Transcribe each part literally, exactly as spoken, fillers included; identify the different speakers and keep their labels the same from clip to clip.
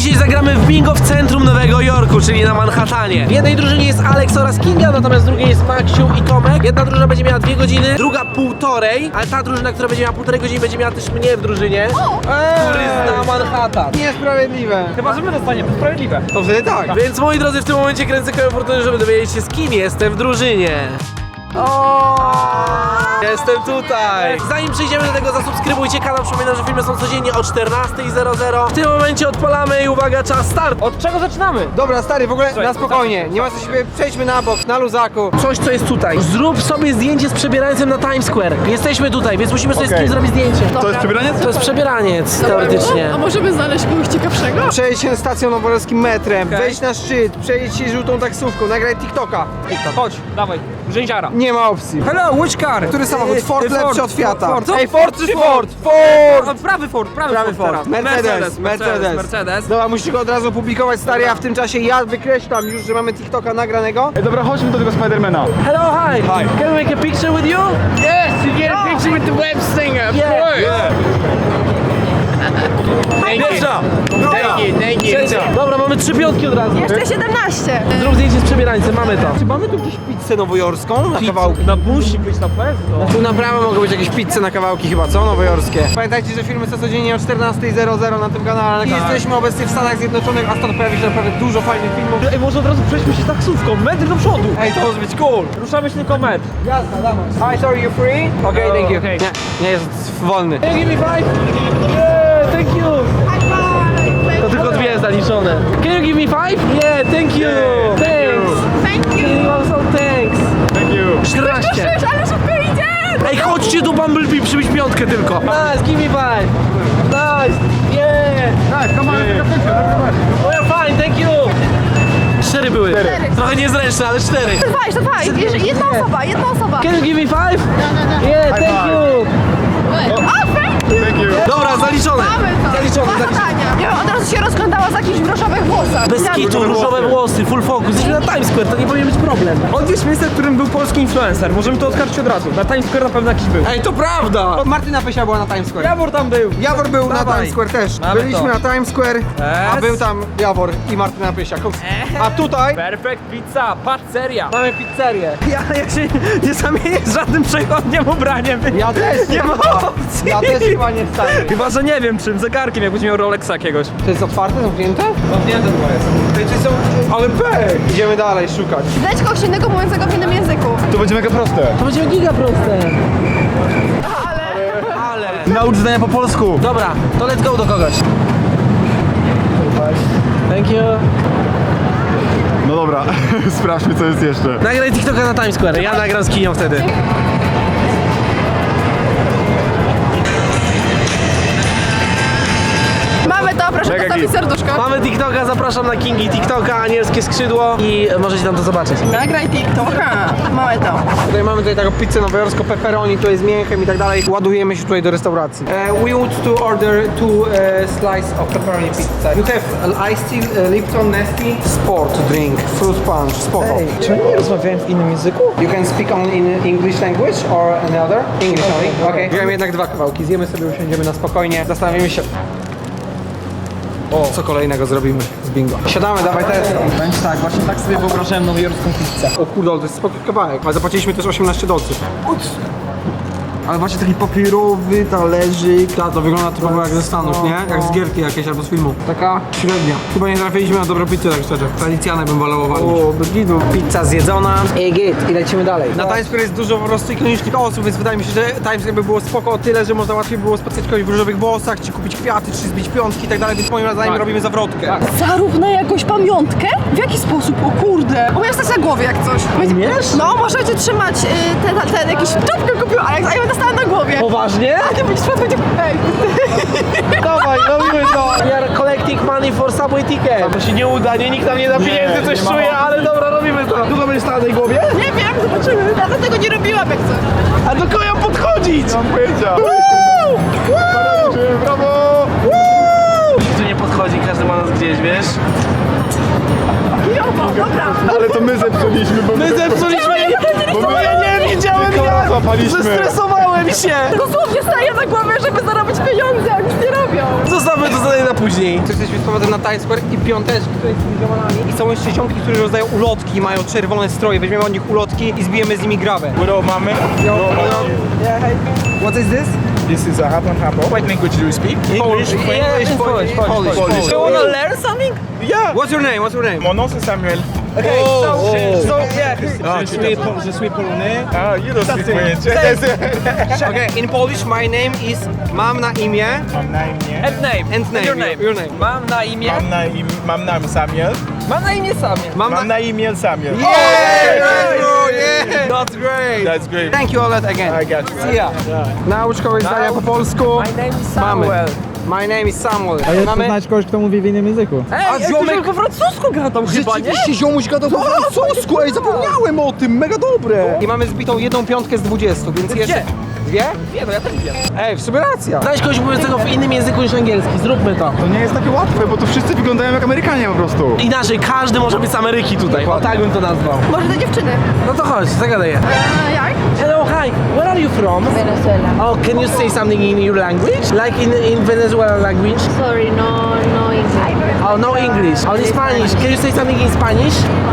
Speaker 1: Dzisiaj zagramy w bingo w centrum Nowego Jorku, czyli na Manhattanie. W jednej drużynie jest Alex oraz Kinga, natomiast w drugiej jest Maksiu i Tomek. Jedna drużyna będzie miała dwie godziny, druga półtorej, ale ta drużyna, która będzie miała półtorej godziny, będzie miała też mnie w drużynie, który zna Manhattan.
Speaker 2: Niesprawiedliwe.
Speaker 3: Chyba, że my dostaniemy, to sprawiedliwe.
Speaker 2: To wtedy tak.
Speaker 1: Więc moi drodzy, w tym momencie kręcę kołem fortuny, żeby dowiedzieć się, z kim jestem w drużynie. O! Jestem tutaj! Zanim przejdziemy do tego, zasubskrybujcie kanał. Przypominam, że filmy są codziennie o czternastej zero zero. W tym momencie odpalamy i uwaga, czas start!
Speaker 3: Od czego zaczynamy?
Speaker 2: Dobra, stary, w ogóle
Speaker 3: Słuchaj,
Speaker 2: na spokojnie. Nie ma co się, przejdźmy na bok, na luzaku.
Speaker 1: Coś, co jest tutaj. Zrób sobie zdjęcie z przebierańcem na Times Square. Jesteśmy tutaj, więc musimy sobie z kim zrobić zdjęcie.
Speaker 4: To jest przebieraniec?
Speaker 1: To jest przebieraniec, teoretycznie.
Speaker 5: A możemy znaleźć kogoś ciekawszego?
Speaker 2: Przejdź się stacją nowojorskim metrem, wejdź na szczyt, przejdź się żółtą taksówką, nagraj TikToka.
Speaker 3: Chodź, dawaj, rzęziara.
Speaker 2: Nie ma opcji.
Speaker 3: Hello, which car?
Speaker 2: Który samochód? Ford lepszy od Fiata.
Speaker 3: Ford.
Speaker 2: Ej, Ford czy Ford?
Speaker 3: Ford!
Speaker 2: Ford!
Speaker 3: Prawy Ford, prawy,
Speaker 2: Prawy
Speaker 3: Ford,
Speaker 2: Ford.
Speaker 3: teraz.
Speaker 2: Mercedes, Mercedes.
Speaker 3: Mercedes.
Speaker 2: Dobra, musisz go od razu publikować, stary, a w tym czasie ja wykreślam już, że mamy TikToka nagranego.
Speaker 4: Ej, dobra, chodźmy do tego Spidermana.
Speaker 1: Hello, hi.
Speaker 4: Hi.
Speaker 1: Can we make a picture with you?
Speaker 5: Yes, you get a picture with the web singer, of
Speaker 1: Yeah.
Speaker 5: course.
Speaker 1: Pierwsza!
Speaker 5: Thank you, thank you.
Speaker 1: Trzecia! Dobra, mamy trzy piątki od razu.
Speaker 5: Jeszcze siedemnaście.
Speaker 1: Zrób zdjęcie z przebierańcem, mamy to.
Speaker 2: Czy mamy tu gdzieś pizzę nowojorską na kawałki?
Speaker 3: No musi być na pewno.
Speaker 2: Tu naprawdę mogą być jakieś pizze na kawałki chyba, co? Nowojorskie. Pamiętajcie, że filmy są codziennie o czternastej zero zero na tym kanale. I jesteśmy obecnie w Stanach Zjednoczonych, a stąd pojawi się naprawdę dużo fajnych filmów.
Speaker 3: Ej, może od razu przejdźmy się taksówką, metr do przodu.
Speaker 2: Ej, to może być cool.
Speaker 3: Ruszamy się tylko metr.
Speaker 2: Jasne, dawaj. Hi, sorry, you free? Okej,
Speaker 3: Oh,
Speaker 2: thank you.
Speaker 3: okay.
Speaker 2: Nie, nie jest wolny.
Speaker 1: Can you give me five? Yeah, thank you. To tylko dwie zaliczone. Can you give me five? Yeah, thank you. Thanks.
Speaker 5: Thank
Speaker 1: Can
Speaker 5: you.
Speaker 1: you also thanks.
Speaker 4: Thank you.
Speaker 1: czternaście.
Speaker 5: Ale super idzie!
Speaker 1: Ej, chodźcie do Bumblebee, przybyć piątkę tylko. Nice, give me five. Nice. Yeah.
Speaker 4: Tak, come on,
Speaker 1: Oh, you're fine, thank you. Cztery były. Trochę niezręczne, ale cztery.
Speaker 5: Dwa, jeszcze dwa. Jeszcze jedna osoba, jedna osoba.
Speaker 1: Can you give me five? Yeah, thank you.
Speaker 5: O, thank you.
Speaker 4: Thank you.
Speaker 1: Dobra, zaliczone.
Speaker 5: Mamy to.
Speaker 1: Zaliczone,
Speaker 5: Dwa
Speaker 1: zaliczone.
Speaker 5: zadania. Ja bym od razu się rozglądała za jakimś w różowych włosach.
Speaker 1: Bez kitu, różowe włosy, full focus. Jesteśmy na Times Square, to nie powinien być problem.
Speaker 3: Odwiedź miejsce, w którym był polski influencer. Możemy to odkarcić od razu. Na Times Square na pewno jakiś był.
Speaker 2: Ej, to prawda! Martyna Pysia była na Times Square.
Speaker 3: Jawor tam był.
Speaker 2: Jawor był na
Speaker 3: Dawaj.
Speaker 2: Times Square też.
Speaker 3: Mamy
Speaker 2: Byliśmy
Speaker 3: to.
Speaker 2: na Times Square, a
Speaker 3: Yes.
Speaker 2: był tam Jawor i Martyna Pysia. A tutaj
Speaker 3: Perfect pizza, pizzeria.
Speaker 2: mamy pizzerię.
Speaker 3: Ja, ja się nie zamienię z żadnym przechodniem ubraniem.
Speaker 2: Ja też
Speaker 3: Nie ma
Speaker 2: chyba.
Speaker 3: opcji.
Speaker 2: Ja też chyba nie wstanę.
Speaker 3: Chyba, że nie wiem czym, zegarkiem, jakbyś miał Rolexa jakiegoś.
Speaker 2: To jest otwarte, zamknięte?
Speaker 3: Zamknięte chyba jest.
Speaker 2: Ej, czy są... Ale pech! Idziemy dalej szukać.
Speaker 5: Znajdź kogoś innego mówiącego w innym języku.
Speaker 4: To będzie mega proste.
Speaker 1: To będzie giga proste. Ale...
Speaker 4: Naucz zdania po polsku.
Speaker 1: Dobra, to let's go do kogoś. Thank you.
Speaker 4: No dobra, sprawdźmy co jest jeszcze.
Speaker 1: Nagraj TikToka na Times Square, ja nagram z Kinią wtedy.
Speaker 5: Mamy to, proszę
Speaker 4: Mega
Speaker 5: postawić
Speaker 4: git.
Speaker 5: serduszko.
Speaker 1: Mamy TikToka, zapraszam na Kingi TikToka, anielskie skrzydło i możecie tam to zobaczyć.
Speaker 5: Nagraj TikToka. Mamy to.
Speaker 2: Tutaj mamy tutaj taką pizzę nowojorską, pepperoni, to jest mięchem i tak dalej. Ładujemy się tutaj do restauracji. Uh, we want to order two uh, slice of pepperoni pizza. You have an iced tea, uh, Lipton Nesty, sport drink, fruit punch, spoko.
Speaker 3: Czy oni nie rozmawiają w innym języku?
Speaker 2: You can speak only in English language or another? English only, okej. Wziąłem jednak dwa kawałki, zjemy sobie, usiądziemy na spokojnie, zastanowimy się, o, co kolejnego zrobimy z bingo. Siadamy, dawaj test.
Speaker 3: Będzie tak, właśnie tak sobie wyobrażałem nowojorską pizzę.
Speaker 2: O kurde, ale to jest spoko kawałek, ale zapłaciliśmy też osiemnaście dolców. Ale właśnie taki papierowy talerzyk. Ta, to wygląda trochę jak ze Stanów, nie? Jak z gierki jakieś albo z filmu. Taka średnia. Chyba nie trafiliśmy na dobrą pizzę, tak szczerze. Tradycjane bym wolał walić. O, bez gidu. Pizza zjedzona. I git. I lecimy dalej. Na Times Square jest dużo po prostu ikonicznych osób, więc wydaje mi się, że Times Square by było spoko o tyle, że można łatwiej było spotkać kogoś w różowych włosach, czy kupić kwiaty, czy zbić piątki i tak dalej, więc moim zdaniem
Speaker 3: Tak.
Speaker 2: robimy zawrotkę.
Speaker 5: Zarób na jakąś pamiątkę? W jaki sposób? O kurde. Umiem stać na głowie jak coś.
Speaker 1: Umiesz?
Speaker 5: No, możecie trzymać y, ten, ten jakiś czapkę kupił, a jak a ja będę stała na głowie.
Speaker 1: Poważnie?
Speaker 5: A ty będziesz przed będzie... Ej.
Speaker 1: Dawaj, robimy to! We are collecting money for subway ticket. To się nie uda, nie, nikt nam nie da pieniędzy, coś
Speaker 4: nie ma
Speaker 1: czuje, ale dobra, robimy to. Długo będziesz stała na tej głowie?
Speaker 5: Nie wiem, zobaczymy. Ja do tego nie robiłam jak coś.
Speaker 1: A do kogo ją podchodzić?
Speaker 4: Mam pojęcia. Brawo!
Speaker 1: Nikt tu nie podchodzi, każdy trzyma nas gdzieś, wiesz?
Speaker 4: Ale to my zepsuliśmy, bo
Speaker 1: My zepsuliśmy!
Speaker 4: Bo my
Speaker 1: nie widziałem
Speaker 4: jak! Złapaliśmy.
Speaker 1: Zestresowałem się!
Speaker 5: Dosłownie staję na głowie, żeby zarobić pieniądze, a nic nie robią.
Speaker 1: Zostawmy to zadanie na później.
Speaker 2: Jesteśmy sprowadzeni na Times Square i piąteczki tutaj z tymi ziomalami. I są jeszcze ziomki, które rozdają ulotki, mają czerwone stroje. Weźmiemy od nich ulotki i zbijemy z nimi grabę.
Speaker 4: Hello, mamy.
Speaker 2: What is this?
Speaker 4: This is a half and half. What language do you speak?
Speaker 2: English, English, Polish, Polish.
Speaker 4: Polish.
Speaker 2: You wanna learn
Speaker 3: something?
Speaker 4: Yeah.
Speaker 2: What's your name? What's your name?
Speaker 4: Mon nom c'est Samuel.
Speaker 2: Okay, so, so yeah.
Speaker 4: Ah,
Speaker 3: Je suis, je suis polonais.
Speaker 4: Ah, you don't speak French.
Speaker 2: Okay, in Polish my name is mam na imię.
Speaker 4: Mam na imię.
Speaker 3: And name.
Speaker 2: And name.
Speaker 3: Your name.
Speaker 2: Your name.
Speaker 3: Mam na imię.
Speaker 4: Mam na imię, mam na imię Samuel.
Speaker 3: Mam na imię Samuel.
Speaker 2: Mam
Speaker 4: Mam na imię Samuel.
Speaker 2: Yeah, bro, yeah. That's great.
Speaker 4: That's great.
Speaker 2: Thank you Olet again.
Speaker 4: I got you.
Speaker 2: See ya. Nauczkowe zdania po polsku.
Speaker 3: My name is
Speaker 2: Mamy.
Speaker 3: Samuel.
Speaker 2: My name is Samuel.
Speaker 6: A jest
Speaker 2: Mamy...
Speaker 6: poznać kogoś, kto mówi w innym języku.
Speaker 3: Ej,
Speaker 2: A
Speaker 3: ej,
Speaker 2: ziomek-
Speaker 3: ktoś po francusku gra tam chyba, nie?
Speaker 2: Rzeczywiście ziomuś gadał po francusku, ej, zapomniałem o tym, mega dobre. I mamy zbitą jedną piątkę z dwudziestu, więc jeszcze... Dwie?
Speaker 3: Nie, no ja też wiem.
Speaker 2: Ej, w sumie racja.
Speaker 1: Znajdź kogoś mówiącego w innym języku niż angielski, zróbmy to.
Speaker 4: To nie jest takie łatwe, bo tu wszyscy wyglądają jak Amerykanie po prostu.
Speaker 1: Inaczej, każdy może być z Ameryki tutaj, o tak bym to nazwał.
Speaker 5: Może te dziewczyny.
Speaker 1: No to chodź, zagadę je.
Speaker 5: Eee, jak?
Speaker 1: Hello, hi, where are you from?
Speaker 7: Venezuela.
Speaker 1: Oh, can you say something in your language? Like in, in Venezuela language?
Speaker 7: Sorry, no, no English.
Speaker 1: Oh, no English. Only Spanish. Can you say something in Spanish?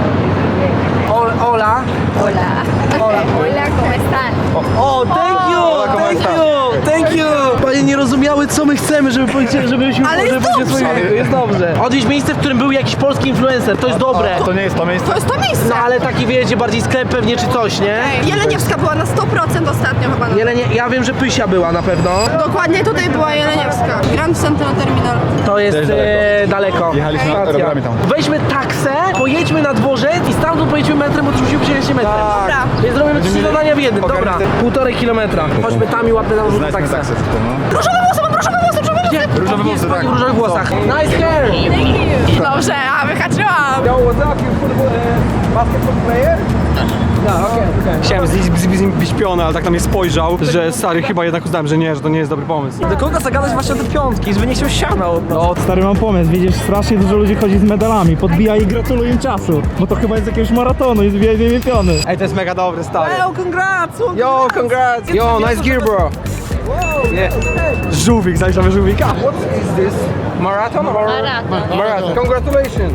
Speaker 1: Oh, hola.
Speaker 7: Hola. Hola, ¿cómo están?
Speaker 1: Oh, thank you, thank you, thank you. Panie nie rozumiały, co my chcemy, żeby powiedzieć, żebyśmy
Speaker 5: Ale jest
Speaker 1: żeby powiedzieć
Speaker 5: dobrze.
Speaker 1: swoje języku. Jest dobrze. Odwiedź miejsce, w którym był jakiś polski influencer, to jest dobre.
Speaker 4: To nie jest to miejsce.
Speaker 5: To jest to miejsce.
Speaker 1: No ale taki wiecie, bardziej sklep pewnie czy coś, nie?
Speaker 5: Ej, Jeleniewska była na sto procent ostatnio chyba. Na...
Speaker 1: Jelenie, ja wiem, że Pysia była na pewno.
Speaker 5: Dokładnie tutaj była Jeleniewska. Grand Central Terminal.
Speaker 1: To jest
Speaker 4: Też daleko.
Speaker 1: e, daleko.
Speaker 4: Jechaliśmy
Speaker 1: Stacja.
Speaker 4: rowerami tam.
Speaker 1: Weźmy taksę, pojedźmy na dworzec i stamtąd pojedźmy metrem, bo to musimy przejechać się metrem.
Speaker 5: Dobra.
Speaker 1: Więc zrobimy trzy zadania w jednym, dobra.
Speaker 4: Ogarnę
Speaker 1: Półtorej kilometra. Chodźmy tam i łapmy tam rzut
Speaker 4: Znajdźmy
Speaker 1: taksę.
Speaker 4: taksę tylko, no.
Speaker 5: Różowe włosy, mam różowe włosy, różowe włosy.
Speaker 1: Gdzie?
Speaker 4: Różowe
Speaker 1: Jest
Speaker 4: włosy,
Speaker 1: pani
Speaker 4: tak.
Speaker 1: w różowych włosach. Nice hair!
Speaker 5: Dobrze, a wyhaczyłam.
Speaker 2: Yo, what's up, you football, uh, basketball player? No, okej, okej. Chciałem z, z, z nim być piony, ale tak na mnie spojrzał, że stary, chyba jednak uznałem, że nie, że to nie jest dobry pomysł.
Speaker 3: Do kogo zagadać właśnie o te piątki, żeby nie chciał siana od nas.
Speaker 6: No, stary, mam pomysł. Widzisz, strasznie dużo ludzi chodzi z medalami, podbija i gratuluję im czasu. Bo to chyba jest jakiegoś maratonu i zbija im piony.
Speaker 2: Ej, to jest mega dobry, stary.
Speaker 3: Well, congrats!
Speaker 2: Yo, congrats! Yo, nice gear, bro! Yeah. Żółwik, zajrzamy żółwika. What is this? Marathon or?
Speaker 7: Marathon.
Speaker 2: Marathon. Congratulations!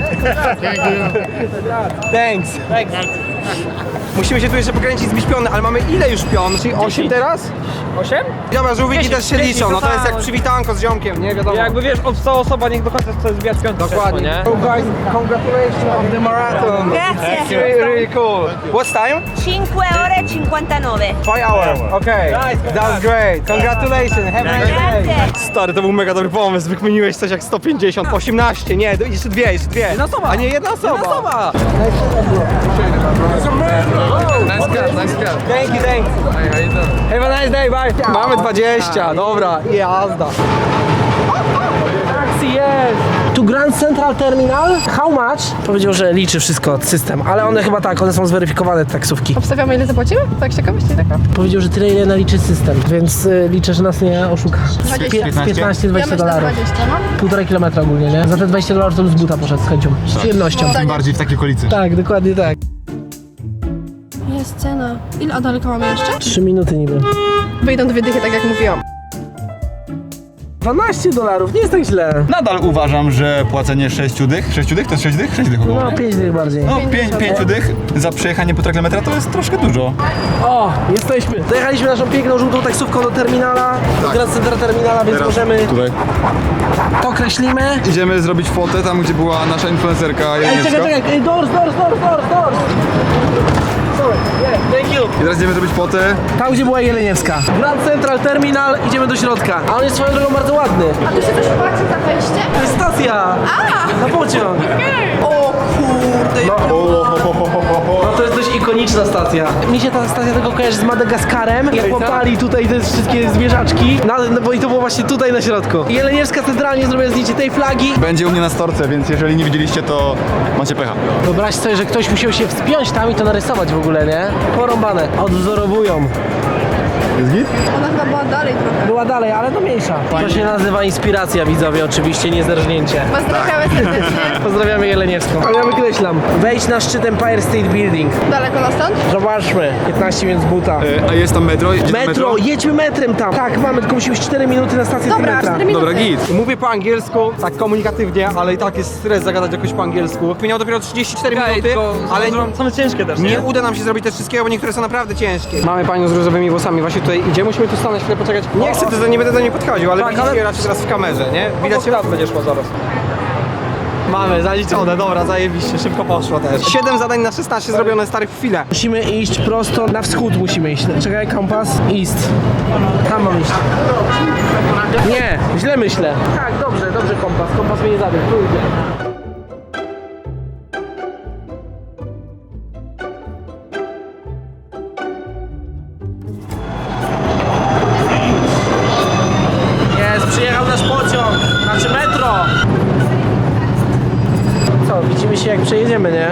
Speaker 2: Thanks. Thanks. Musimy się tu jeszcze pokręcić z piony, ale mamy ile już pion? Czyli osiem teraz?
Speaker 3: Osiem?
Speaker 2: Dobra, żółwiki
Speaker 3: Dziesięć,
Speaker 2: też się
Speaker 3: dziesięć,
Speaker 2: liczą, no to
Speaker 3: to
Speaker 2: jest jak
Speaker 3: tak.
Speaker 2: przywitanko z ziomkiem, nie wiadomo.
Speaker 3: Jakby wiesz, obstała osoba, niech do końca chce zbijać piątkę.
Speaker 2: Dokładnie.
Speaker 3: nie?
Speaker 2: So guys, congratulations on the marathon.
Speaker 7: Grazie.
Speaker 2: It's really, really cool. What's time?
Speaker 7: cinque ore e cinquantanove.
Speaker 2: Five hours. Okay. That's great. Congratulations. Have a nice day.
Speaker 7: Grazie.
Speaker 2: Stary, to był mega dobry pomysł. Wykminiłeś coś jak sto pięćdziesiąt, osiemnaście, nie, jeszcze dwie, jeszcze dwie.
Speaker 3: Jedna osoba.
Speaker 2: A nie jedna osoba.
Speaker 3: Jedna osoba.
Speaker 2: Nice cut, nice cut. Thank you, thanks. Have a nice day, bye. Mamy dwadzieścia, dobra, i jazda.
Speaker 1: Taxi jest! Tu Grand Central Terminal. How much? Powiedział, że liczy wszystko system, ale one chyba tak, one są zweryfikowane te taksówki.
Speaker 5: Obstawiamy ile zapłacimy? Tak z ciekawości taka.
Speaker 1: Powiedział, że tyle ile naliczy system, więc y, liczę, że nas nie oszuka.
Speaker 5: dwadzieścia.
Speaker 1: Z piętnaście
Speaker 5: Ja
Speaker 1: dwadzieścia
Speaker 5: myślę
Speaker 1: dolarów.
Speaker 5: dwadzieścia, no.
Speaker 1: Półtorej kilometra ogólnie, nie? Za te dwadzieścia dolarów to bym z buta poszedł z chęcią. Z przyjemnością.
Speaker 4: Tym bardziej w takiej okolicy.
Speaker 1: Tak, dokładnie tak.
Speaker 5: Jest cena. Ile, a daleko mamy jeszcze?
Speaker 1: Trzy minuty niby.
Speaker 5: Wyjdą dwie dychy, tak jak mówiłam.
Speaker 1: dwanaście dolarów, nie jest tak źle.
Speaker 4: Nadal uważam, że płacenie sześciu dych, sześciu dych to jest sześć dych? sześć dych około.
Speaker 1: No, pięć dych bardziej.
Speaker 4: No, pięć, pięciu dych za przejechanie półtora kilometra to jest troszkę dużo.
Speaker 1: O, jesteśmy. Dojechaliśmy naszą piękną żółtą taksówką do terminala, do Grand Central Terminala, więc możemy
Speaker 4: Tutaj.
Speaker 1: to kreślimy.
Speaker 4: Idziemy zrobić fotę tam, gdzie była nasza influencerka
Speaker 1: Ej,
Speaker 4: Jeleniewska.
Speaker 1: czekaj, czekaj, Ej, doors, doors, doors, doors, doors. Sorry, yeah, thank you.
Speaker 4: I teraz idziemy zrobić fotę.
Speaker 1: Tam, gdzie była Jeleniewska. Grand Central Terminal, idziemy do środka. A on jest swoją drogą bardzo ładny.
Speaker 5: A tu się coś płaci za wejście?
Speaker 1: To jest stacja. Na pociąg.
Speaker 5: O kurde,
Speaker 1: No.
Speaker 4: O, ho, ho, ho, ho, ho.
Speaker 1: No to jest dość ikoniczna stacja. Mi się ta stacja tego kojarzy z Madagaskarem. Jak łapali tutaj te wszystkie zwierzaczki. No, no bo i to było właśnie tutaj na środku. Jeleniewska centralnie zrobiła zdjęcie tej flagi.
Speaker 4: Będzie u mnie na storce, więc jeżeli nie widzieliście, to macie pecha.
Speaker 1: Wyobraź sobie, że ktoś musiał się wspiąć tam i to narysować w ogóle, nie? Porąbane. Odwzorowują.
Speaker 4: Jest git?
Speaker 5: Ona chyba była dalej trochę.
Speaker 1: Była dalej, ale to mniejsza. To się nazywa inspiracja, widzowie, oczywiście, nie zerżnięcie.
Speaker 5: Pozdrawiamy serdecznie.
Speaker 1: Pozdrawiamy Jeleniewską. Ale ja wykreślam. Wejdź na szczyt Empire State Building.
Speaker 5: Daleko na stąd?
Speaker 1: Zobaczmy. piętnaście minut z buta.
Speaker 4: E, a jest tam metro? Jedzie tam
Speaker 1: Metro, jedźmy metrem tam. Tak, mamy, tylko musimy cztery minuty na stację
Speaker 5: Dobra,
Speaker 1: metra.
Speaker 5: cztery minuty.
Speaker 4: Dobra, git.
Speaker 2: Mówię po angielsku, tak komunikatywnie, ale i tak jest stres zagadać jakoś po angielsku. Minęło dopiero trzydzieści cztery minuty, ale nie,
Speaker 3: Są ciężkie też,
Speaker 2: nie uda nam się zrobić te wszystkiego, bo niektóre są naprawdę ciężkie. Mamy panią z różowymi włosami, właśnie tutaj idzie, musimy tu stanąć, chwilę poczekać. Nie chcę, to nie będę do niej podchodził, ale
Speaker 3: Tak,
Speaker 2: widzicie
Speaker 3: ale-
Speaker 2: raczej teraz w kamerze, nie? Widać się.
Speaker 3: Widać, będzie szło zaraz.
Speaker 2: Mamy, zaliczone, dobra, zajebiście, szybko poszło też. siedem zadań na szesnaście zrobione stary w chwilę.
Speaker 1: Musimy iść prosto na wschód, musimy iść. Czekaj, kompas. East. Tam mam iść. Nie, źle myślę. Tak, dobrze, dobrze kompas. Kompas mnie nie zabił. Tu idzie. Jest, przyjechał nasz pociąg. Znaczy metro. Co, widzimy się jak przejedziemy, nie?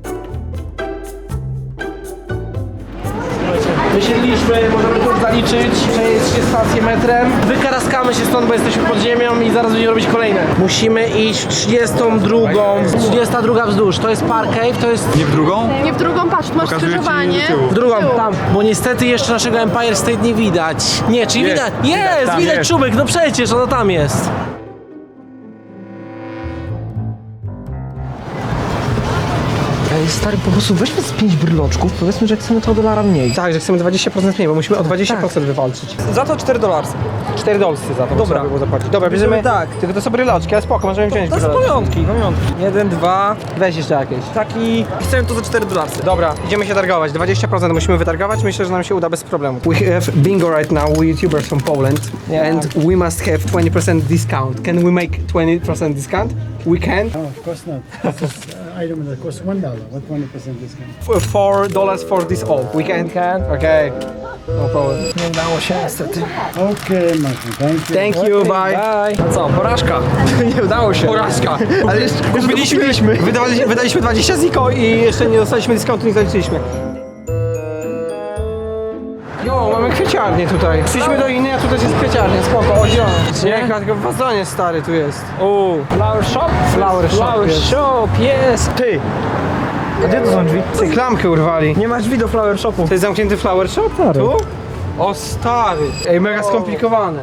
Speaker 1: Wysiedliśmy, możemy tu zaliczyć, przejeść się stację metrem. Wykaraskamy się stąd, bo jesteśmy pod ziemią i zaraz będziemy robić kolejne. Musimy iść w trzydziestą drugą, trzydziesta druga wzdłuż. To jest Park Cave, to jest
Speaker 4: Nie w drugą?
Speaker 5: Nie w drugą, patrz, tu masz
Speaker 4: Pokazuję ci
Speaker 5: skrzyżowanie.
Speaker 4: do tyłu.
Speaker 1: w drugą,
Speaker 5: Tył.
Speaker 1: tam. Bo niestety jeszcze naszego Empire State nie widać. Nie, czyli
Speaker 4: Jest,
Speaker 1: widać. Jest,
Speaker 4: tam
Speaker 1: widać
Speaker 4: jest.
Speaker 1: czubek, no przecież, ono tam jest. Ej, stary, po prostu weźmy z pięć bryloczków, powiedzmy, że chcemy to dolara mniej.
Speaker 2: Tak, że chcemy dwadzieścia procent mniej, bo musimy o dwadzieścia procent wywalczyć.
Speaker 3: Za to cztery dolarcy.
Speaker 2: cztery dolsy za to
Speaker 3: Dobra.
Speaker 2: trzeba było zapłacić. Dobra, bierzemy
Speaker 3: tak.
Speaker 2: Tylko to są bryloczki, ale spoko, możemy wziąć
Speaker 3: To jest
Speaker 2: bryloczki.
Speaker 3: pamiątki, pamiątki. Jeden, dwa,
Speaker 2: Weź jeszcze jakieś.
Speaker 3: taki... Chcemy to za cztery dolarcy.
Speaker 2: Dobra, idziemy się targować. dwadzieścia procent musimy wytargować. Myślę, że nam się uda bez problemu. We have bingo right now. We YouTubers from Poland. And we must have twenty percent discount. Can we make twenty percent discount? We can.
Speaker 8: No, of course not. This is uh, item that costs one dollar. What twenty percent discount?
Speaker 2: F- Four dollars for this all. We can.
Speaker 3: Can.
Speaker 2: Okay. No problem.
Speaker 3: Nie udało się niestety.
Speaker 8: Okay, Martin. Thank you.
Speaker 2: Thank you, bye.
Speaker 3: Bye. A co, porażka? Nie udało się.
Speaker 2: Porażka. Ale jeszcze kupiliśmy, wydawali, wydaliśmy dwadzieścia ziko i jeszcze nie dostaliśmy dyskontu, nie zaliczyliśmy. Jo, mamy kwieciarnię tutaj. Przyjdźmy do innej, a tutaj jest kwieciarnia, spoko, o zielono. Nie, tylko w wazonie stary tu jest.
Speaker 3: O, flower shop?
Speaker 2: Flower shop
Speaker 3: Flower
Speaker 2: jest.
Speaker 3: shop, jest. Ty. A gdzie to są drzwi?
Speaker 2: Ty, klamkę urwali.
Speaker 3: Nie masz drzwi do flower shopu.
Speaker 2: To jest zamknięty flower shop? Tu? O stary. Ej, mega skomplikowane.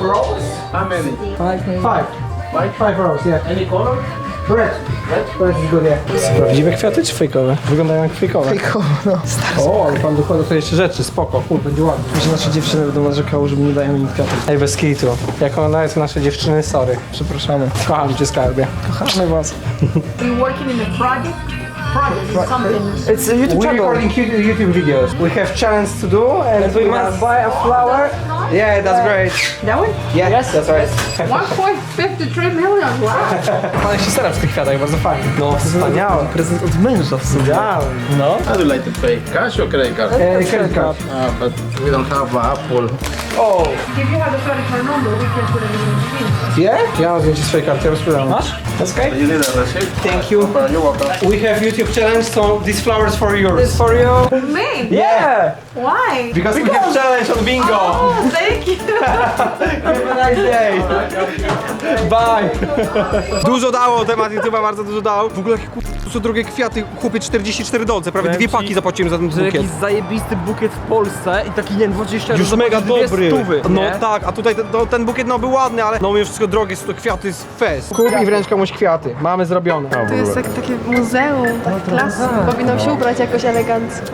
Speaker 2: Five. Five. Five rows, yeah. Any color? Red. Red? Red is good, yeah. Prawdziwe kwiaty czy fejkowe? Wyglądają jak fejkowe. Fejkowe, no. O, ale pan dokłada tutaj jeszcze rzeczy, spoko, kur, będzie ładnie.
Speaker 3: Że nasze dziewczyny będą narzekały, że nie dają im kwiatów.
Speaker 2: Ej, bez kitu. Jak ona jest nasze dziewczyny, sorry.
Speaker 3: Przepraszamy.
Speaker 2: Kocham cię, skarbie.
Speaker 3: Kochamy was.
Speaker 9: You working in a project? Project is something.
Speaker 3: It's a YouTube
Speaker 2: We're
Speaker 3: channel.
Speaker 2: recording YouTube YouTube videos. We have challenge to do and we must buy a flower. Yeah, that's great.
Speaker 9: That one?
Speaker 2: Yeah, yes, that's right.
Speaker 9: one point five three million. Wow.
Speaker 2: Pan się stara w tych kwiatach, bardzo fajnie. No, wspaniałe.
Speaker 3: Prezent od męża w sumie. No.
Speaker 10: How do you like to pay? Cash or credit card?
Speaker 2: Eh, credit card.
Speaker 10: Uh, but we don't have uh, Apple.
Speaker 2: Oh,
Speaker 9: If you have a credit card number, we can put it in the machine.
Speaker 2: yeah? Ja mam zdjęcie swojej karty, ja rozprzedam. Masz? That's okay.
Speaker 10: You need a receipt?
Speaker 2: Thank you.
Speaker 10: Uh, you're welcome.
Speaker 2: We have YouTube challenge, so this flower is for yours. This for you.
Speaker 9: Me?
Speaker 2: Yeah.
Speaker 9: Why?
Speaker 2: Because, we have challenge on bingo.
Speaker 9: Oh, thank you.
Speaker 2: Have a nice day. Bye. Dużo dało temat YouTube'a, bardzo dużo dał. W ogóle jakie kur... to są drogie kwiaty, chłopie czterdzieści cztery dolce, prawie dwie paki zapłaciłem za ten
Speaker 3: Że
Speaker 2: bukiet.
Speaker 3: jakiś zajebisty bukiet w Polsce i taki, nie wiem, dwadzieścia
Speaker 2: Już mega
Speaker 3: dwie
Speaker 2: dobry.
Speaker 3: Stówy,
Speaker 2: No
Speaker 3: nie?
Speaker 2: tak, a tutaj ten, no, ten bukiet no był ładny, ale no mimo wszystko drogie są to kwiaty, jest fest. Kup i wręcz komuś kwiaty. Mamy zrobione.
Speaker 5: To jest tak, takie muzeum, tak klasy. Powinnam się ubrać jakoś elegancko.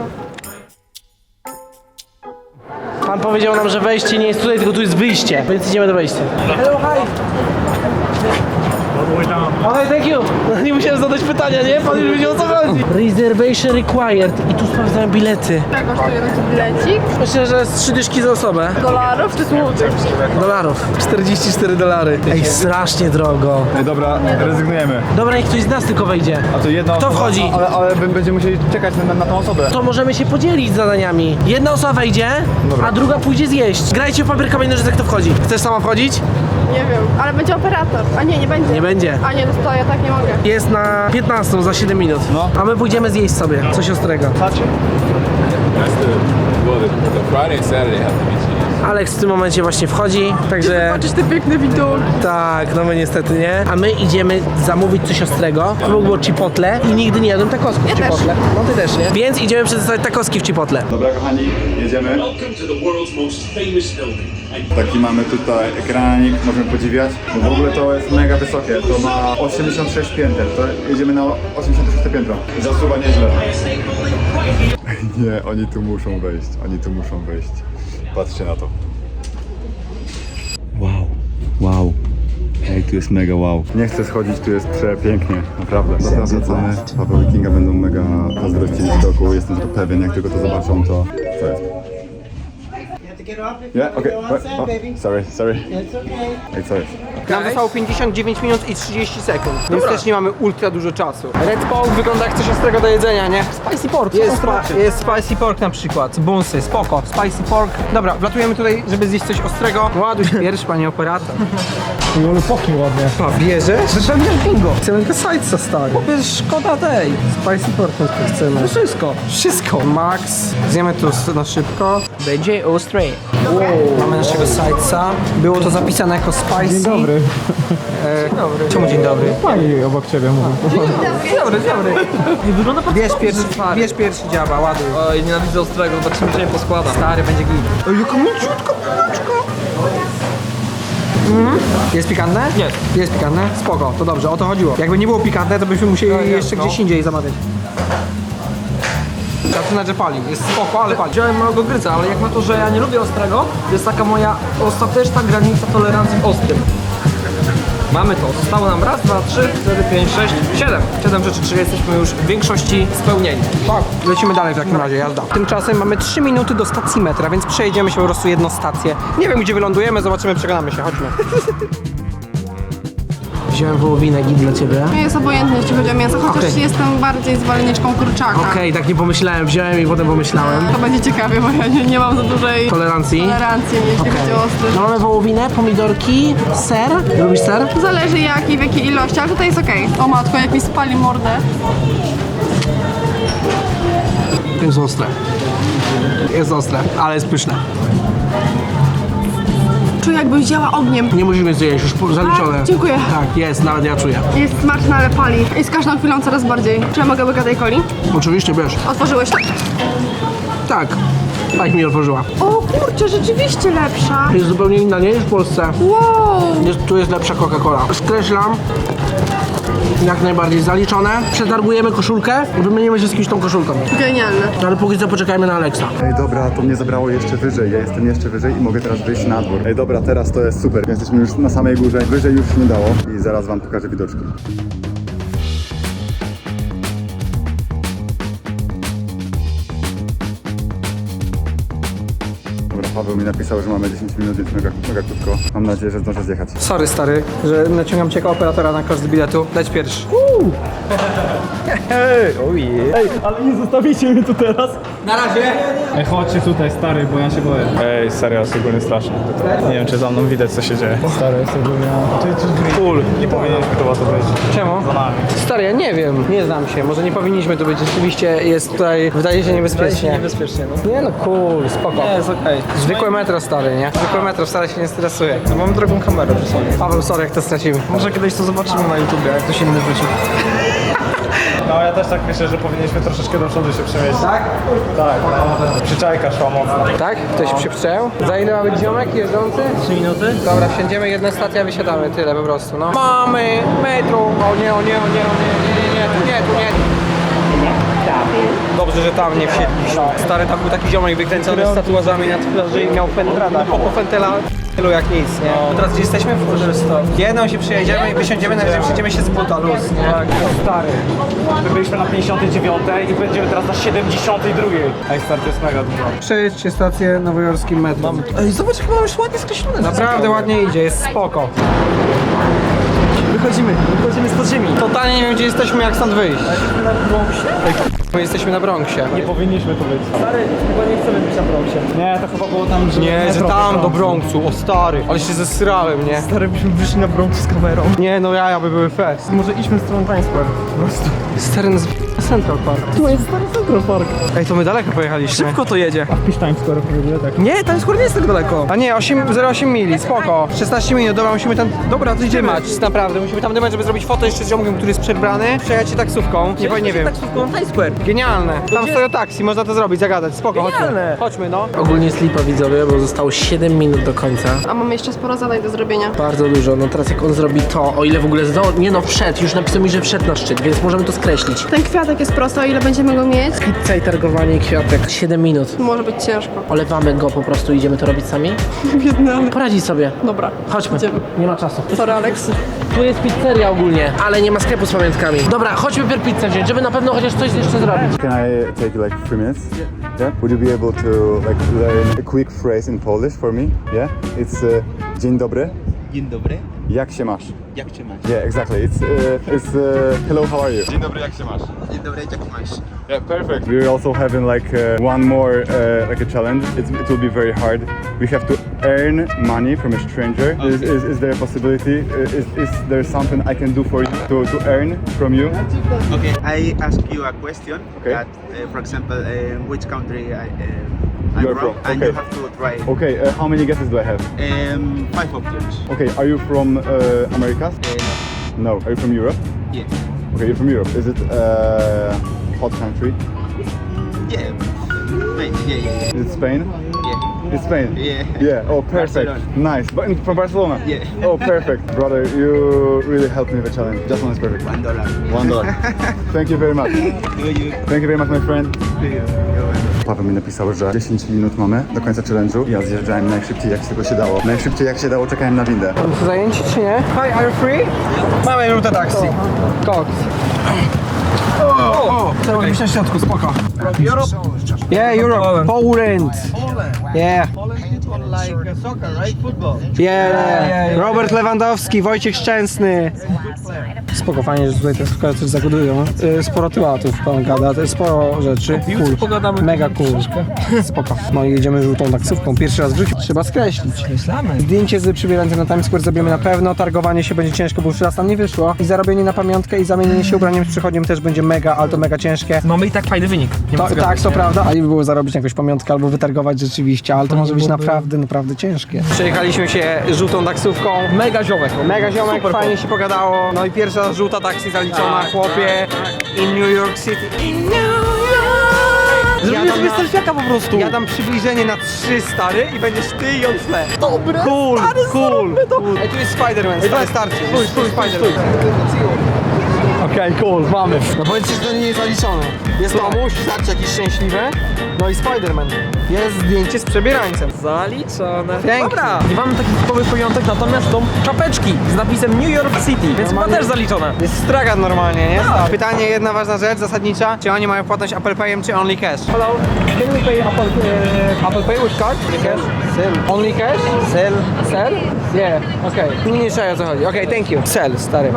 Speaker 1: Pan powiedział nam, że wejście nie jest tutaj, tylko tu jest wyjście, więc idziemy do wejścia. Hello, hi! Okej, thank you! No, nie musiałem zadać pytania, nie? Pan już wiedział o co chodzi. Reservation required i tu sprawdzają bilety.
Speaker 5: Jak kosztuje taki bilecik?
Speaker 1: Myślę, że z trzy dyszki za osobę.
Speaker 5: Dolarów czy złotych?
Speaker 1: Dolarów. czterdzieści cztery dolary. Ej, strasznie drogo.
Speaker 4: Ej, dobra, rezygnujemy.
Speaker 1: Dobra, niech ktoś z nas tylko wejdzie.
Speaker 4: A to jedna
Speaker 1: Kto
Speaker 4: osoba,
Speaker 1: wchodzi?
Speaker 4: Ale, ale b- będziemy musieli czekać na, na tą osobę.
Speaker 1: To możemy się podzielić zadaniami. Jedna osoba wejdzie, a druga pójdzie zjeść. Grajcie w papier, kamień, nożyce, kto wchodzi. Chcesz sama wchodzić?
Speaker 5: Nie wiem, ale będzie operator. A nie, nie będzie.
Speaker 1: Nie będzie.
Speaker 5: A nie, no to ja tak nie mogę.
Speaker 1: Jest na piętnastą za siedem minut.
Speaker 4: No.
Speaker 1: A my pójdziemy zjeść sobie coś ostrego.
Speaker 10: Well, the, the Friday and Saturday have to be cheese.
Speaker 1: Alex w tym momencie właśnie wchodzi, także...
Speaker 5: Patrzysz te piękne widoki.
Speaker 1: Tak, no my niestety nie. A my idziemy zamówić coś ostrego. To było chipotle i nigdy nie jadłem takosków w
Speaker 5: Ja też.
Speaker 1: chipotle. No ty też, nie? Więc idziemy przetestować takoski w chipotle.
Speaker 4: Dobra kochani, jedziemy. Taki mamy tutaj ekranik, możemy podziwiać. No w ogóle to jest mega wysokie, to ma osiemdziesiąt sześć pięter, to jedziemy na osiemdziesiąte szóste piętro. Zasuwa nieźle. Nie, oni tu muszą wejść, oni tu muszą wejść. Patrzcie na to. Wow, wow. Ej, tu jest mega wow. Nie chcę schodzić, tu jest przepięknie, naprawdę. Dobra, wracamy. Paweł i Kinga będą mega zazdrościli widoku, jestem tego pewien, jak tylko to zobaczą, to co jest? Yeah, okay. What? Oh, sorry, sorry. Ej, co jest?
Speaker 2: Nam zostało pięćdziesiąt dziewięć minut i trzydzieści sekund, więc też nie mamy ultra dużo czasu. Red Paul wygląda jak coś ostrego do jedzenia, nie? Spicy pork, jest, spa jest spicy pork na przykład, bunsy, spoko, spicy pork. Dobra, wlatujemy tutaj, żeby zjeść coś ostrego. Ładuj się pierwszy, panie operator.
Speaker 6: I ale pachnie ładnie.
Speaker 2: A, bierzesz? Zaczynam wziąć bingo. Chcemy tylko sidesa, stary. Chłopie, szkoda tej. Spicy pork chcemy. No wszystko. Wszystko. Max. Zjemy tu na szybko. Będzie ostry. Wow. Mamy naszego sidesa. Było to zapisane jako spicy.
Speaker 6: Dzień dobry.
Speaker 2: E, dzień dobry. Czemu dzień dobry?
Speaker 6: Pani obok ciebie mówi.
Speaker 2: Dzień dobry, dzień dobry.
Speaker 3: Wygląda bardzo
Speaker 2: Bierz pierwszy, bierz pierwszy dziaba, ładuj.
Speaker 3: Oj, nienawidzę ostrego, zobaczymy, czy nie poskłada.
Speaker 2: Stary, będzie git. Ej, jaka mięciutka piłeczka. Mhm. Jest pikantne?
Speaker 3: Jest.
Speaker 2: Jest pikantne? Spoko, to dobrze, o to chodziło. Jakby nie było pikantne, to byśmy musieli
Speaker 3: No, jest,
Speaker 2: jeszcze
Speaker 3: no.
Speaker 2: gdzieś indziej zamawiać. Zaczyna, że pali. Jest spoko, ale pali.
Speaker 3: Wziąłem małego gryza, ale jak na to, że ja nie lubię ostrego, to jest taka moja ostateczna granica tolerancji w ostrym. Mamy to. Zostało nam raz, dwa, trzy, cztery, pięć, sześć, siedem. Siedem rzeczy, czyli jesteśmy już w większości spełnieni.
Speaker 2: Tak, lecimy dalej w takim razie, jazda. Tymczasem mamy trzy minuty do stacji metra, więc przejedziemy się po prostu jedną stację. Nie wiem, gdzie wylądujemy, zobaczymy, przekonamy się, chodźmy.
Speaker 1: Wziąłem wołowinę git dla ciebie.
Speaker 5: Nie jest obojętnie, jeśli chodzi o mięso, chociaż
Speaker 1: Okej.
Speaker 5: jestem bardziej zwolenniczką kurczaka.
Speaker 1: Okej, tak nie pomyślałem, wziąłem i potem pomyślałem.
Speaker 5: To będzie ciekawie, bo ja nie, nie mam za dużej
Speaker 1: Tolerancji.
Speaker 5: tolerancji, jeśli chodzi o ostry.
Speaker 1: No mamy wołowinę, pomidorki, ser. Lubisz ser?
Speaker 5: Zależy jak i w jakiej ilości, ale tutaj jest okej. O matko, jak mi spali mordę.
Speaker 1: Jest ostre. Jest ostre, ale jest pyszne.
Speaker 5: Czuję jakby działa ogniem.
Speaker 1: Nie musimy zjeść, już po- zaliczone.
Speaker 5: A, dziękuję.
Speaker 1: Tak, jest, nawet ja czuję.
Speaker 5: Jest smaczna, ale pali. I z każdą chwilą coraz bardziej. Czy ja mogę łyka tej coli?
Speaker 1: Oczywiście, wiesz.
Speaker 5: Otworzyłeś to?
Speaker 1: Tak. Tak mi otworzyła.
Speaker 5: O kurczę, rzeczywiście lepsza.
Speaker 1: Jest zupełnie inna, nie? Niż w Polsce.
Speaker 5: Wow.
Speaker 1: Jest, tu jest lepsza Coca-Cola. Skreślam. Jak najbardziej zaliczone. Przetargujemy koszulkę. Wymienimy się z kimś tą koszulką.
Speaker 5: Genialne.
Speaker 1: Ale póki co poczekajmy na Alexa.
Speaker 4: Ej, dobra, to mnie zabrało jeszcze wyżej. Ja jestem jeszcze wyżej i mogę teraz wyjść na dwór. Ej, dobra, teraz to jest super. Jesteśmy już na samej górze. Wyżej już nie dało i zaraz wam pokażę widoczki. Dobra, Paweł mi napisał, że mamy dziesięć minut, więc mega, mega krótko. Mam nadzieję, że zdążę zjechać.
Speaker 2: Sorry, stary, że naciągam cię jako operatora na koszt biletu. Leć pierwszy.
Speaker 6: Ej, ojej. Ej, ale nie zostawicie mnie tu teraz.
Speaker 2: Na razie.
Speaker 6: Ej, chodźcie tutaj, stary, bo ja się boję. Ej, serio, jest ogólnie strasznie. Nie wiem, czy za mną widać, co się dzieje. Stary, jest ogólnie... Full. Nie powinieneśmy chyba to być.
Speaker 2: Czemu?
Speaker 6: Za nami.
Speaker 2: Stary, ja nie wiem. Nie znam się. Może nie powinniśmy tu być. Rzeczywiście jest tutaj, wydaje się niebezpiecznie.
Speaker 3: Niebezpiecznie, no.
Speaker 2: Nie no, cool, spoko.
Speaker 3: Nie, jest okej.
Speaker 2: Zwykłe metro, stary, nie? Zwykłe metro, wcale się nie stresuje.
Speaker 3: No, mam drogą kamerę przy sobie.
Speaker 2: Paweł, sorry, jak to stracimy.
Speaker 3: Może kiedyś to zobaczymy na YouTubie, jak ktoś inny wróci.
Speaker 6: No, ja też tak myślę, że powinniśmy troszeczkę do przodu się przemieścić.
Speaker 2: Tak?
Speaker 6: Tak, no. Przyczajka szła mocno.
Speaker 2: Tak? Ktoś się przyjął? Za ile ma być ziomek jeżdżący?
Speaker 3: Trzy minuty?
Speaker 2: Dobra, wsiądziemy, jedna stacja, wysiadamy, tyle po prostu, no. Mamy metro! O nie, o nie, o nie, o nie, nie, nie, nie, tu nie, tu nie. Dobrze, że tam nie wsiedliśmy. Stary, tam był taki ziomek wykręcony z tatuażami na twarzy i miał pentrada. Po fentela tylu jak nic, nie? Teraz gdzie jesteśmy? W jedną się przyjedziemy i wysiądziemy, najwyżej przyjdziemy się z buta luz, nie?
Speaker 6: Tak, stary. My byliśmy na pięćdziesiątej dziewiątej i będziemy teraz na siedemdziesiątej drugiej. Ej, stary, to jest mega dużo.
Speaker 2: Przejdźcie stację nowojorskim metrem.
Speaker 3: Ej, zobacz, jak mamy już ładnie skreślone.
Speaker 2: Naprawdę ładnie idzie, jest spoko.
Speaker 3: Wychodzimy, wychodzimy z podziemi.
Speaker 2: Totalnie nie wiem, gdzie jesteśmy, jak stąd wyjść. My jesteśmy na Bronxie.
Speaker 6: Nie powinniśmy tu być.
Speaker 3: Stary, chyba nie chcemy być na Bronxie.
Speaker 6: Nie, to chyba było tam, że...
Speaker 2: Nie, że
Speaker 6: metro
Speaker 2: tam do
Speaker 6: Bronxu.
Speaker 2: Bronxu, o stary. Ale się zesrałem, nie?
Speaker 3: Stary, byśmy wyszli na Bronx z kamerą.
Speaker 2: Nie, no ja, by były fest.
Speaker 3: Może idźmy w stronę Times Square. Po prostu.
Speaker 2: Stary, nas Central Park.
Speaker 3: Tu jest stary Central Park.
Speaker 2: Ej, to my daleko pojechaliśmy.
Speaker 3: Szybko to jedzie.
Speaker 6: Wpisz Times Square w Google, tak?
Speaker 3: Nie, Times Square nie jest tak daleko.
Speaker 2: A nie, osiem, zero przecinek osiem mili, spoko. szesnaście minut, dobra, musimy tam... Dobra, to idziemy. Dymać, naprawdę, musimy tam dymać, żeby zrobić foto jeszcze z ziomkiem, który jest przebrany. Przejechać się taksówką, nie, powiem, nie wiem.
Speaker 3: Taksówką na Times Square.
Speaker 2: Genialne. Tam stoją taksi, można to zrobić, zagadać, spoko, chodźmy.
Speaker 3: Genialne.
Speaker 2: Chodźmy, no.
Speaker 1: Ogólnie jest lipa, widzowie, bo zostało siedem minut do końca.
Speaker 5: A mamy jeszcze sporo zadań do zrobienia.
Speaker 1: Bardzo dużo. No teraz jak on zrobi to, o ile w ogóle zdo... Nie no, wszedł, już napisał mi, że wszedł na szczyt, więc możemy to skreślić.
Speaker 5: Ten kwiatek jest prosty, o ile będziemy go mieć?
Speaker 1: Pizza i targowanie i kwiatek. siedem minut.
Speaker 5: Może być ciężko.
Speaker 1: Olewamy go po prostu, idziemy to robić sami?
Speaker 5: Biedny.
Speaker 1: Poradzi sobie.
Speaker 5: Dobra.
Speaker 1: Chodźmy.
Speaker 5: Idziemy.
Speaker 1: Nie ma czasu.
Speaker 5: Sorry, Alex.
Speaker 1: Tu jest pizzeria ogólnie, ale nie ma sklepu z pamiątkami. Dobra, chodźmy pierw pizzę wziąć, żeby na pewno chociaż coś jeszcze zrobić.
Speaker 4: Can I take like three minutes? Yeah? Would you be able to like learn a quick phrase in Polish for me? Yeah? It's uh, dzień dobry.
Speaker 11: Dzień dobry.
Speaker 4: Jak się masz?
Speaker 11: Jak się masz?
Speaker 4: Yeah, exactly. It's uh, it's uh, hello, how are you? Dzień dobry, jak się masz?
Speaker 11: Dzień dobry, jak masz?
Speaker 4: Yeah, perfect. We're also having like uh, one more uh, like a challenge. It's, it will be very hard. We have to earn money from a stranger.
Speaker 11: Okay.
Speaker 4: Is, is, is there a possibility? Is, is there something I can do for you to, to earn from you?
Speaker 11: Okay, I ask you a question.
Speaker 4: Okay.
Speaker 11: That, uh, for example, uh, which country I, uh, I'm
Speaker 4: You're
Speaker 11: from,
Speaker 4: from,
Speaker 11: and
Speaker 4: okay.
Speaker 11: you have to try.
Speaker 4: Okay, uh, how many guesses do I have?
Speaker 11: Um, five options.
Speaker 4: Okay, are you from uh, Americas?
Speaker 11: Uh,
Speaker 4: No. Are you from Europe?
Speaker 11: yeah.
Speaker 4: Okay, you're from Europe. Is it a hot country?
Speaker 11: Yeah. Wait, yeah, yeah, yeah.
Speaker 4: Is it Spain?
Speaker 11: Yeah.
Speaker 4: It's Spain?
Speaker 11: Yeah.
Speaker 4: Yeah, oh perfect.
Speaker 11: Barcelona.
Speaker 4: Nice. But in, from Barcelona?
Speaker 11: Yeah.
Speaker 4: Oh perfect. Brother, you really helped me with the challenge. Just one is perfect.
Speaker 11: One dollar.
Speaker 4: One dollar. Thank you very much.
Speaker 11: Do you?
Speaker 4: Thank you very much, my friend.
Speaker 11: Do you? You're welcome.
Speaker 4: Paweł mi napisał, że dziesięć minut mamy do końca challenge'u. Ja zjeżdżałem najszybciej jak się tylko się dało. Najszybciej jak się dało czekałem na windę.
Speaker 2: Są zajęci czy nie? Hi, are you free? Mamy żółte taksi. Koks. O, o, trzeba być na środku, spoko.
Speaker 3: Europe?
Speaker 2: Yeah, Europe. Poland. Yeah.
Speaker 11: Like soccer, right? Football.
Speaker 2: Yeah. Robert Lewandowski, Wojciech Szczęsny. Spoko, fajnie, że tutaj te sklepy coś zagodują. Y, Sporo tematów pan gada, to jest sporo rzeczy. Cool.
Speaker 3: pogadamy
Speaker 2: Mega cool. Spoko. No i jedziemy żółtą taksówką. Pierwszy raz w życiu. Trzeba skreślić.
Speaker 3: Myślamy.
Speaker 2: Zdjęcie z przybierańcem na Times Square zrobimy na pewno. Targowanie się będzie ciężko, bo już raz nam nie wyszło. I zarobienie na pamiątkę i zamienienie się ubraniem z przychodniem też będzie mega, ale to mega ciężkie.
Speaker 3: Mamy i tak fajny wynik. Nie ma
Speaker 2: To,
Speaker 3: co
Speaker 2: tak,
Speaker 3: gadać,
Speaker 2: to
Speaker 3: nie?
Speaker 2: prawda. A i by było zarobić jakąś pamiątkę albo wytargować rzeczywiście, ale to może być naprawdę, naprawdę ciężkie. Przejechaliśmy się żółtą taksówką.
Speaker 3: Mega ziomek.
Speaker 2: Mega ziomek,
Speaker 3: Super
Speaker 2: fajnie
Speaker 3: chłop.
Speaker 2: się pogadało. No i pierwsza żółta taksi zaliczona, chłopie. In New York City. In New York.
Speaker 3: Zrobimy sobie selfiaka po prostu.
Speaker 2: Ja dam przybliżenie na trzy, stary, i będziesz ty i on w tle. Dobre, cool, stary, cool, cool. Ej, tu jest Spider-Man, stary, starczy.
Speaker 3: Stój, stój, stój, stój.
Speaker 2: Okej, okay, cool, mamy. No powiedzcie, że to nie jest zaliczone. Jest Tomuś, zobaczcie, jakiś szczęśliwy. No i Spider-Man. Jest zdjęcie z przebierańcem.
Speaker 3: Zaliczone.
Speaker 2: Pięknie.
Speaker 3: Dobra, nie mamy takich typowych pamiątek, natomiast są czapeczki z napisem New York City, więc chyba
Speaker 2: Normalnie-
Speaker 3: też zaliczone.
Speaker 2: Jest stragan normalnie, nie? Pytanie, jedna ważna rzecz, zasadnicza. Czy oni mają płatność Apple Payem, czy only cash?
Speaker 3: Hello, can we pay Apple, uh,
Speaker 2: Apple Pay with card? Cash? Sell. Only cash? Sell. Sell? Yeah, okej. Okay. Nie, nie szaj, o co chodzi. Okej, okay, thank you. Sell, stary.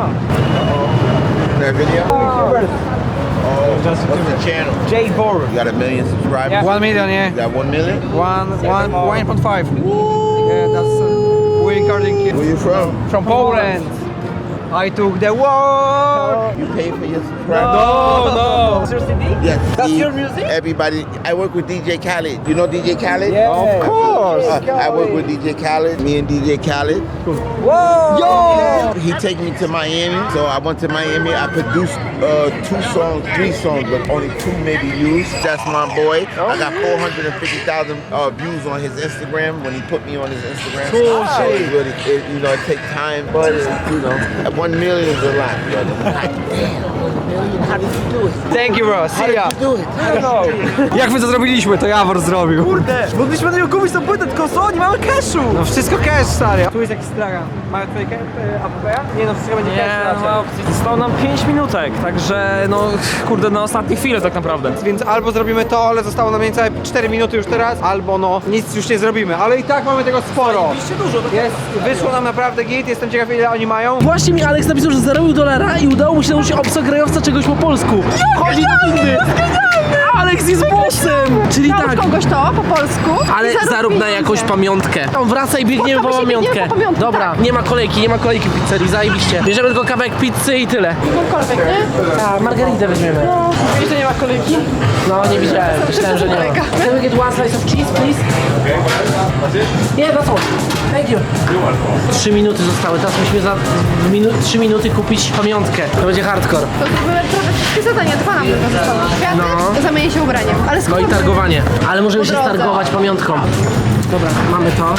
Speaker 12: That video?
Speaker 3: Oh,
Speaker 12: What's the channel?
Speaker 2: J four.
Speaker 12: You got a million subscribers?
Speaker 2: One million, yeah.
Speaker 12: You got one million?
Speaker 2: One, one, one point five. Yeah, that's uh, we recording here.
Speaker 12: Where you from?
Speaker 2: From Poland. I took the world.
Speaker 12: You pay for your subscribers?
Speaker 3: No, no. What's your C D?
Speaker 12: Yes.
Speaker 3: That's
Speaker 12: Steve,
Speaker 3: your music?
Speaker 12: Everybody, I work with D J Khaled. You know D J Khaled?
Speaker 3: Yeah.
Speaker 2: Of course.
Speaker 12: Uh, I work with D J Khaled. Me and D J Khaled.
Speaker 3: Whoa! Yo!
Speaker 12: He take me to Miami, so I went to Miami. I produced uh, two songs, three songs, but only two maybe used. That's my boy. I got four hundred fifty thousand uh, views on his Instagram when he put me on his Instagram.
Speaker 3: Cool
Speaker 12: So
Speaker 3: shit.
Speaker 12: it really, it, you know, it takes time, but uh, you know, one million is a lot, brother. God damn, one million. How did you do it?
Speaker 2: Thank you, bro. See ya.
Speaker 12: How did you do it?
Speaker 3: I don't know.
Speaker 2: Jak my to zrobiliśmy, to Jawor zrobił.
Speaker 3: Kurde, mogliśmy na niego kupić tą płytę, tylko co? Nie mamy cashu!
Speaker 2: No wszystko cash, stary. Tu jest jakiś stragan. Mają tutaj A W P? Nie no, wszystko będzie
Speaker 3: Nie,
Speaker 2: cash
Speaker 3: no, ma opcji. Zostało nam pięć minutek, także no kurde, na ostatniej chwilę tak naprawdę.
Speaker 2: Więc albo zrobimy to, ale zostało nam niecałe cztery minuty już teraz, albo no nic już nie zrobimy, ale i tak mamy tego sporo.
Speaker 3: dużo.
Speaker 2: Jest, wyszło nam naprawdę git, jestem ciekaw ile oni mają.
Speaker 1: Właśnie mi Alex napisał, że zarobił dolara i udało mu się nauczyć obcokrajowca czegoś po polsku. Chodzi do windy. Alex jest bossem! Czyli
Speaker 5: Naucz
Speaker 1: tak,
Speaker 5: kogoś to po polsku.
Speaker 1: ale
Speaker 5: i zarób
Speaker 1: zarób na
Speaker 5: pieniądze.
Speaker 1: jakąś pamiątkę. On wraca i biegniemy po
Speaker 5: Spotkamy się,
Speaker 1: pamiątkę.
Speaker 5: biegniemy po pamiątkę,
Speaker 1: Dobra,
Speaker 5: tak.
Speaker 1: nie ma kolejki, nie ma kolejki w pizzerii, zajebiście. Bierzemy tylko kawałek pizzy i tyle.
Speaker 5: Jakąkolwiek, nie?
Speaker 1: A, margaritę weźmiemy.
Speaker 5: No, wiesz, że nie ma kolejki?
Speaker 1: No, nie widziałem, myślałem, że nie ma. Can we get one slice of cheese, please? Yeah, that's all. Thank you. Trzy minuty zostały, teraz musimy za w minu trzy minuty kupić pamiątkę. To będzie hardcore.
Speaker 5: To zrobimy prawie wszystkie zadania, dwa nam tylko zostaną. Kwiaty,
Speaker 1: No.
Speaker 5: zamienię się ubraniem. Ale
Speaker 1: No
Speaker 5: skoro
Speaker 1: i targowanie. Ale możemy
Speaker 5: Po
Speaker 1: się
Speaker 5: drodze.
Speaker 1: stargować pamiątką. Dobra, mamy to.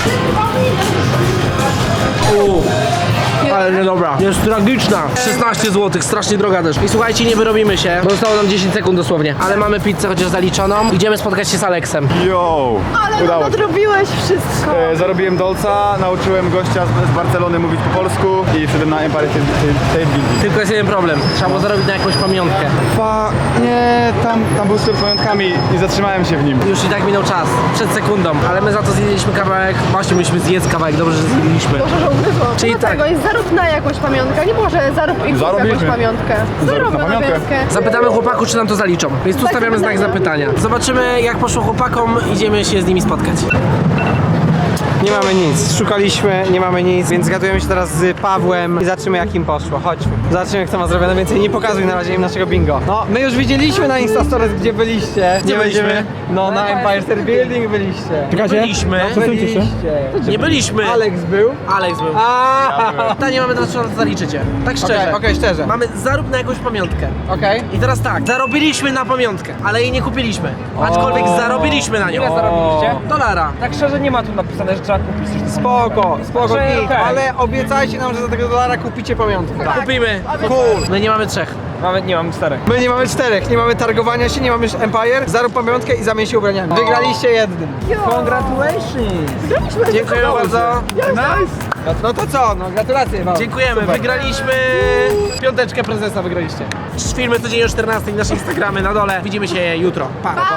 Speaker 1: Uuu. Ale nie dobra. Jest tragiczna. szesnaście złotych, strasznie droga też. I słuchajcie, nie wyrobimy się, bo zostało nam dziesięć sekund dosłownie. Ale mamy pizzę chociaż zaliczoną. Idziemy spotkać się z Aleksem.
Speaker 4: Yo!
Speaker 5: Ale
Speaker 4: Udało się.
Speaker 5: nadrobiłeś wszystko.
Speaker 4: E, zarobiłem dolca, nauczyłem gościa z, z Barcelony mówić po polsku i wszedłem na Empire State Building.
Speaker 1: Tylko jest jeden problem. Trzeba było zarobić na jakąś pamiątkę.
Speaker 4: Fa... nie, tam, tam był sklep z pamiątkami i zatrzymałem się w nim.
Speaker 1: Już i tak minął czas. Przed sekundą. Ale my za to zjedliśmy kawałek. Właśnie musimy zjedz kawałek. Dobrze, że zjedliśmy.
Speaker 5: Boże, żołnierzu.
Speaker 1: Czyli
Speaker 5: No
Speaker 1: tak.
Speaker 5: tego jest zarób na jakąś pamiątkę. Nie może zarób i kup jakąś
Speaker 4: Zarobiliśmy.
Speaker 5: pamiątkę. Zarób
Speaker 4: na
Speaker 5: na
Speaker 4: pamiątkę.
Speaker 5: pamiątkę.
Speaker 1: Zapytamy chłopaków, czy nam to zaliczą. Więc tu
Speaker 5: Tak,
Speaker 1: stawiamy znak
Speaker 5: zapytamy.
Speaker 1: zapytania. Zobaczymy, jak poszło chłopakom. Idziemy się z nimi spotkać.
Speaker 2: Nie mamy nic, szukaliśmy, nie mamy nic, więc zgadujemy się teraz z Pawłem i zobaczymy jak im poszło. Chodźmy. Zobaczymy kto ma zrobione więcej. Nie pokazuj na razie im naszego bingo. No, my już widzieliśmy na Instastories, gdzie byliście.
Speaker 1: Gdzie
Speaker 2: nie
Speaker 1: byliśmy?
Speaker 2: będziemy- No, na Empire State Building byliście.
Speaker 1: Nie byliśmy.
Speaker 2: No, byliście.
Speaker 1: Nie byliśmy.
Speaker 2: Alex był.
Speaker 1: Alex był.
Speaker 2: A.
Speaker 1: Ta nie mamy teraz czego zaliczycie. Tak szczerze.
Speaker 2: Okej, okej, szczerze.
Speaker 1: Mamy zarób na jakąś pamiątkę.
Speaker 2: Okej.
Speaker 1: I teraz tak, zarobiliśmy na pamiątkę, ale jej nie kupiliśmy. Aczkolwiek zarobiliśmy na nią.
Speaker 3: Ile zarobiliście?
Speaker 1: Dolara.
Speaker 3: Tak szczerze nie ma tu napisane, że trzeba kupić.
Speaker 2: Spoko, spoko,
Speaker 3: Znaczy,
Speaker 2: git,
Speaker 3: okej.
Speaker 2: ale obiecajcie nam, że za tego dolara kupicie pamiątkę.
Speaker 1: Kupimy.
Speaker 2: Cool.
Speaker 1: My nie mamy trzech.
Speaker 3: Mamy, nie mam czterech.
Speaker 2: My nie mamy czterech, nie mamy targowania się, nie mamy już Empire, zarób pamiątkę i zamień się ubraniami. Wygraliście jednym.
Speaker 3: Congratulations!
Speaker 2: Dziękuję bardzo. Nice. No to co, no gratulacje wam.
Speaker 1: Dziękujemy, wygraliśmy. Piąteczkę prezesa wygraliście. Filmy codziennie o czternastej, nasze Instagramy na dole. Widzimy się jutro. Pa.